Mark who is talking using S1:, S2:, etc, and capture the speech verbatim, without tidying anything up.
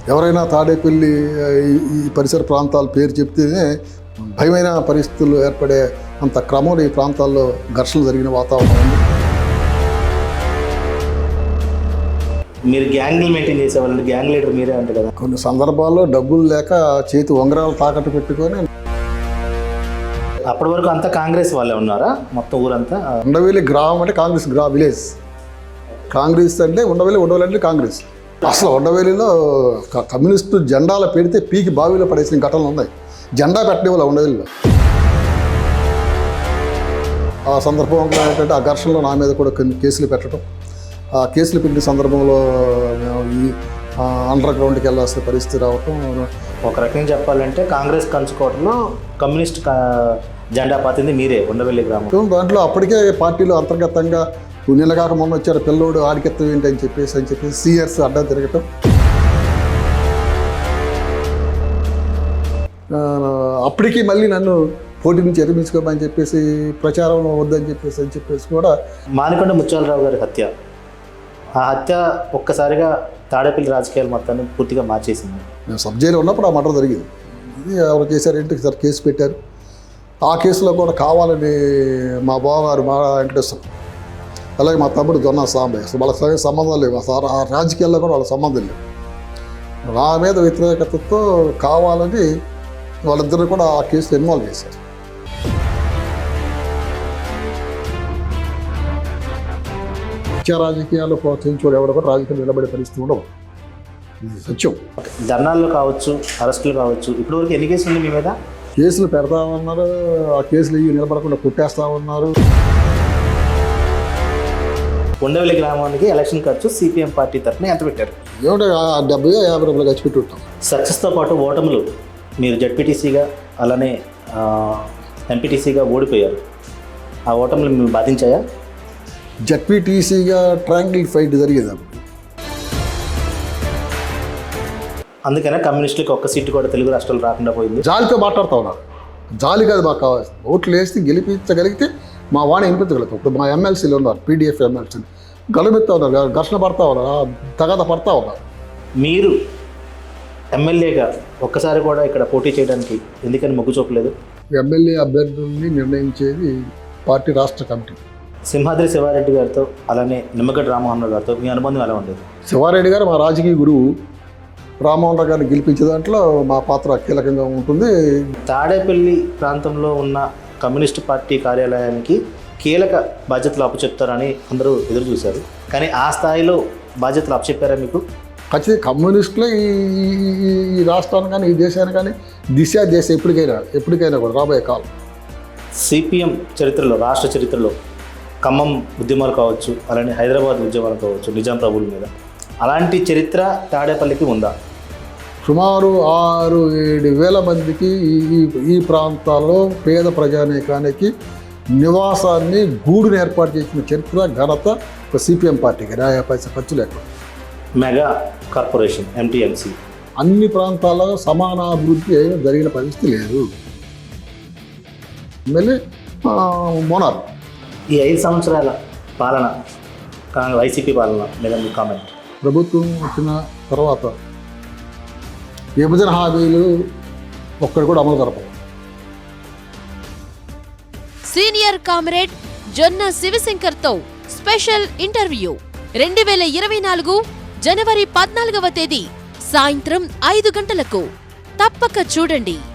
S1: ఎవరైనా తాడేపల్లి ఈ పరిసర ప్రాంతాల పేరు చెప్తేనే భయమైన పరిస్థితులు ఏర్పడే అంత క్రమంలో ఈ ప్రాంతాల్లో ఘర్షణలు జరిగిన వాతావరణం ఉంది.
S2: మీరు గ్యాంగ్లు మెయింటైన్ చేసేవాళ్ళండి, గ్యాంగ్ లీడర్ మీరే అంటే కదా.
S1: కొన్ని సందర్భాల్లో డబ్బులు లేక చేతి ఉంగరాలు తాకట్టు పెట్టుకొని
S2: అప్పటి వరకు అంతా కాంగ్రెస్ వాళ్ళే ఉన్నారా మొత్తం ఊరంతా?
S1: ఉండవెల్లి గ్రామం అంటే కాంగ్రెస్ గ్రా విలేజ్. కాంగ్రెస్ అంటే ఉండవెల్లి ఉండవెల్లి అంటే కాంగ్రెస్. అసలు ఉండవెల్లిలో కమ్యూనిస్టు జెండాలు పెడితే పీకి బావిలో పడేసిన ఘటనలు ఉన్నాయి. జెండా పెట్టే వాళ్ళు ఉండవెల్లిలో. ఆ సందర్భంలో ఏంటంటే ఆ ఘర్షణలో నా మీద కూడా కొన్ని కేసులు పెట్టడం, ఆ కేసులు పెట్టిన సందర్భంలో ఈ అండర్ గ్రౌండ్కి వెళ్ళాల్సిన పరిస్థితి రావటం.
S2: ఒక రకంగా చెప్పాలంటే కాంగ్రెస్ కంచుకోవడంలో కమ్యూనిస్ట్ జెండా పాతింది మీరే ఉండవెల్లి గ్రామం.
S1: దాంట్లో అప్పటికే పార్టీలో అంతర్గతంగా నిన్న కాక మొన్న వచ్చారు పిల్లోడు ఆడికెత్తం ఏంటి అని చెప్పేసి అని చెప్పేసి సీనియర్స్ అడ్డం తిరగటం. అప్పటికి మళ్ళీ నన్ను పోటీ నుంచి ఎరిమించుకోమని చెప్పేసి ప్రచారం వద్దని చెప్పేసి అని చెప్పేసి కూడా.
S2: మానికొండ ముత్యాలరావు గారి హత్య, ఆ హత్య ఒక్కసారిగా తాడేపల్లి రాజకీయాలు మొత్తాన్ని పూర్తిగా మార్చేసింది.
S1: నేను సబ్ జైలు ఉన్నప్పుడు ఆ మర్డర్ జరిగింది. ఇది ఎవరు చేశారంటే సార్ కేసు పెట్టారు. ఆ కేసులో కూడా కావాలని మా బావగారు మా వెంకటేశ్వరం, అలాగే మా తమ్ముడు జొన్న సాంబయ్య, అసలు వాళ్ళకి సంబంధం లేవు. అసలు ఆ రాజకీయాల్లో కూడా వాళ్ళ సంబంధం లేవు. నా మీద వ్యతిరేకతతో కావాలని వాళ్ళిద్దరు కూడా ఆ కేసులో ఇన్వాల్వ్ చేశారు. ముఖ్య రాజకీయాల్లో ప్రోత్సహించుకోవడం ఎవరు కూడా రాజకీయాలు నిలబడే పరిస్థితి ఉండవు. ఇది సత్యం.
S2: ధర్నాల్లో కావచ్చు, అరెస్టులు కావచ్చు, ఇప్పటివరకు ఎన్ని కేసులు ఉన్నాయి మీ మీద?
S1: కేసులు పెడతామన్నారు, ఆ కేసులు ఇవి నిలబడకుండా కొట్టేస్తామన్నారు.
S2: ఉండవెల్లి గ్రామానికి ఎలక్షన్ ఖర్చు సిపిఎం పార్టీ తరఫున ఎంత పెట్టారు?
S1: ఏమిటో డెబ్బై యాభై రూపాయలు ఖర్చు పెట్టి ఉంటాం.
S2: సక్సెస్తో పాటు ఓటములు, మీరు జడ్పీటీసీగా అలానే ఎంపీటీసీగా ఓడిపోయారు. ఆ ఓటములు మేము బాధించాయా?
S1: జడ్పీటీసీగా ట్రయాంగిల్ ఫైట్ జరిగేది.
S2: అందుకనే కమ్యూనిస్టులకు ఒక్క సీటు కూడా తెలుగు రాష్ట్రాలు రాకుండా పోయింది.
S1: జాలితో మాట్లాడుతూ ఉన్నారు. జాలి కాదు మాకు కావాల్సింది. ఓట్లు వేసి గెలిపించగలిగితే మా వాణి వినిపించగలుగుతాం. ఇప్పుడు మా ఎమ్మెల్సీలు ఉన్నారు, పీడిఎఫ్ ఎమ్మెల్సీలు గెలుపుతూ ఉన్నారు, ఘర్షణ పడతా ఉన్నారు, తగాద పడతా ఉన్నారు.
S2: మీరు ఎమ్మెల్యేగా ఒక్కసారి కూడా ఇక్కడ పోటీ చేయడానికి ఎందుకని మొగ్గు చూపలేదు?
S1: ఎమ్మెల్యే అభ్యర్థుల్ని నిర్ణయించేది పార్టీ రాష్ట్ర కమిటీ.
S2: సింహాద్రి శివారెడ్డి గారితో అలానే నిమ్మగడ్డ రామ్మోహన్ రావు గారితో మీ అనుబంధం ఎలా ఉండేది?
S1: శివారెడ్డి గారు మా రాజకీయ గురువు. రామ్మోహన్ రావు గారిని గెలిపించే దాంట్లో మా పాత్ర కీలకంగా ఉంటుంది.
S2: తాడేపల్లి ప్రాంతంలో ఉన్న కమ్యూనిస్ట్ పార్టీ కార్యాలయానికి కీలక బాధ్యతలు అప్పచెప్తారని అందరూ ఎదురు చూశారు. కానీ ఆ స్థాయిలో బాధ్యతలు అప్పచెప్పారా మీకు?
S1: ఖచ్చితంగా కమ్యూనిస్టులే ఈ ఈ రాష్ట్రాన్ని కానీ ఈ దేశాన్ని కానీ దిశ దేశ ఎప్పటికైనా ఎప్పటికైనా కూడా రాబోయే కాలం.
S2: సిపిఎం చరిత్రలో, రాష్ట్ర చరిత్రలో ఖమ్మం ఉద్యమాలు కావచ్చు, అలానే హైదరాబాద్ ఉద్యమాలు కావచ్చు నిజాం ప్రభువుల మీద, అలాంటి చరిత్ర తాడేపల్లికి ఉందా?
S1: సుమారు ఆరు ఏడు వేల మందికి ఈ ఈ ప్రాంతాల్లో పేద ప్రజానీకానికి నివాసాన్ని గూడుని ఏర్పాటు చేసిన చరిత్ర ఘనత సిపిఎం పార్టీకి. రాయ పైసా ఖర్చు లేకుండా
S2: మెగా కార్పొరేషన్ ఎంటీఎంసీ
S1: అన్ని ప్రాంతాల్లో సమానాభివృద్ధి జరిగిన పరిస్థితి లేదు. మళ్ళీ మోనార్
S2: ఈ ఐదు సంవత్సరాల పాలన, వైసీపీ పాలన మీద మీ కామెంట్?
S1: ప్రభుత్వం వచ్చిన తర్వాత విభజన హామీలు ఒక్కడు కూడా అమలు జరపవు.
S3: సీనియర్ కామ్రేడ్ జొన్న శివశంకర్తో స్పెషల్ ఇంటర్వ్యూ రెండు వేల ఇరవై నాలుగు జనవరి పద్నాలుగవ తేదీ సాయంత్రం ఐదు గంటలకు తప్పక చూడండి.